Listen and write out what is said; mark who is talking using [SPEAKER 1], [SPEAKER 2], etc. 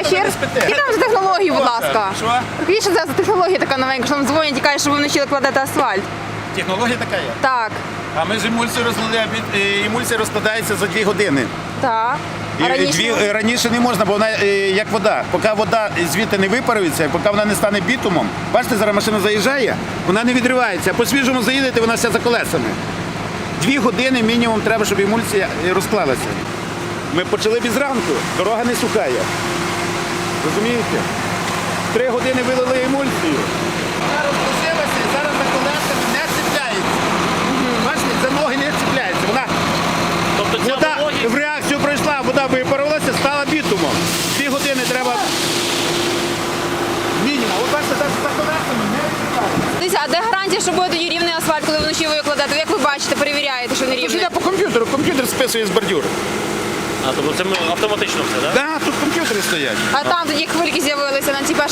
[SPEAKER 1] вечір. Які там за технології, будь ласка?
[SPEAKER 2] Що?
[SPEAKER 1] Які ще за технологія така новенька, що нам дзвонять і кажуть, що ви вночі кладете асфальт?
[SPEAKER 2] Технологія така є.
[SPEAKER 1] Так,
[SPEAKER 2] А ми ж емульсію розлили, емульсія розкладається за 2 години.
[SPEAKER 1] так. А раніше?
[SPEAKER 2] Раніше не можна, бо вона як вода. Поки вода звідти не випарується, поки вона не стане бітумом, бачите, зараз машина заїжджає, вона не відривається. По свіжому заїдете, вона вся за колесами. 2 години мінімум треба, щоб емульсія розклалася. Ми почали без ранку, дорога не сухає. Розумієте? 3 години вилили емульсію. Вона розпустилася і зараз за колесами не цепляється. Бачите, за ноги не цепляється. Вона
[SPEAKER 3] Тобто ця
[SPEAKER 2] вода
[SPEAKER 3] вологість...
[SPEAKER 2] в реакцію пройшла, вода випарувалася, стала бітумом. 2 години треба мінімум. От бачите, так за колесами не відкривається.
[SPEAKER 1] Дивіться, а де гарантія, що буде тоді рівний асфальт, коли вночі ви його кладете? Як ви бачите, перевіряєте, що не
[SPEAKER 2] Тож
[SPEAKER 1] рівний?
[SPEAKER 2] йде по комп'ютеру, комп'ютер списує з бордюри.
[SPEAKER 3] А, тобто це автоматично все, так?
[SPEAKER 2] Так, тут комп'ютери стоять.
[SPEAKER 1] А там тоді хвильки з'явилися на цій